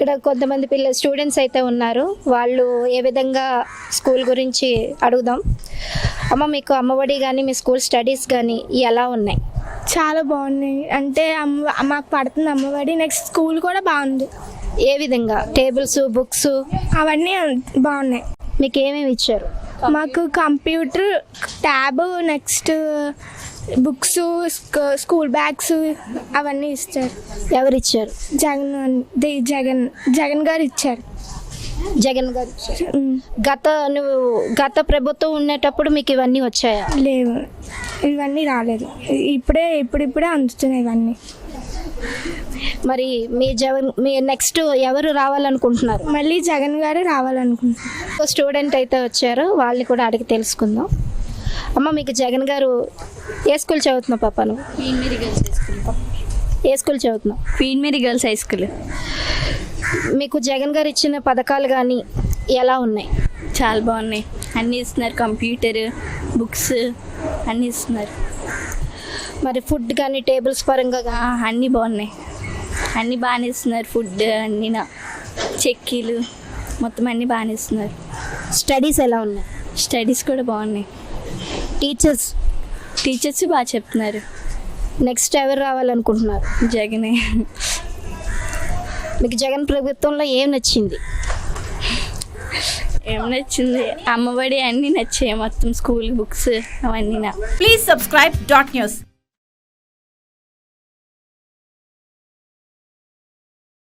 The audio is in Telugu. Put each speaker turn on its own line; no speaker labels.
ఇక్కడ కొంతమంది స్టూడెంట్స్ అయితే ఉన్నారు. వాళ్ళు ఏ విధంగా స్కూల్ గురించి అడుగుదాం. అమ్మ, మీకు అమ్మఒడి కానీ మీ స్కూల్ స్టడీస్ కానీ ఎలా ఉన్నాయి?
చాలా బాగున్నాయి. అంటే మాకు పడుతుంది అమ్మఒడి. నెక్స్ట్ స్కూల్ కూడా బాగుంది.
ఏ విధంగా? టేబుల్స్, బుక్స్
అవన్నీ బాగున్నాయి.
మీకు ఏమేమి ఇచ్చారు?
మాకు computer, tab, next books, school bags అవన్నీ ఇస్తారు.
ఎవరు ఇచ్చారు?
జగన్ గారు ఇచ్చారు.
జగన్ గారు ఇచ్చారు. గత ప్రభుత్వం ఉండేటప్పుడు మీకు ఇవన్నీ వచ్చాయా?
లేవు, ఇవన్నీ రాలేదు. ఇప్పుడిప్పుడే అందుతున్నాయి ఇవన్నీ.
మరి మీ నెక్స్ట్ ఎవరు రావాలనుకుంటున్నారు?
మళ్ళీ జగన్ గారు రావాలనుకుంటున్నారు.
స్టూడెంట్ అయితే వచ్చారు, వాళ్ళని కూడా అడిగి తెలుసుకుందాం. అమ్మ, మీకు జగన్ గారు ఏ స్కూల్ చదువుతున్నావు పాప? నువ్వు
Queen Mary girls high school.
ఏ స్కూల్ చదువుతున్నావు?
Queen Mary girls high school.
మీకు జగన్ గారు ఇచ్చిన పథకాలు కానీ ఎలా ఉన్నాయి?
చాలా బాగున్నాయి. అన్నీ ఇస్తున్నారు. కంప్యూటర్, బుక్స్ అన్నీ ఇస్తున్నారు.
మరి ఫుడ్ కానీ టేబుల్స్ పరంగా
అన్నీ బాగున్నాయి. అన్నీ బాగానే ఇస్తున్నారు. ఫుడ్ అన్నీ చెక్కీలు మొత్తం అన్నీ బాగానే ఇస్తున్నారు.
స్టడీస్ ఎలా ఉన్నాయి?
స్టడీస్ కూడా బాగున్నాయి.
టీచర్స్
బాగా చెప్తున్నారు.
నెక్స్ట్ ఎవరు రావాలనుకుంటున్నారు?
జగనే.
మీకు జగన్ ప్రభుత్వంలో ఏం నచ్చింది?
ఏం నచ్చింది? అమ్మఒడి అన్నీ నచ్చాయి. మొత్తం స్కూల్ బుక్స్ అవన్నీ.
Please subscribe dot news.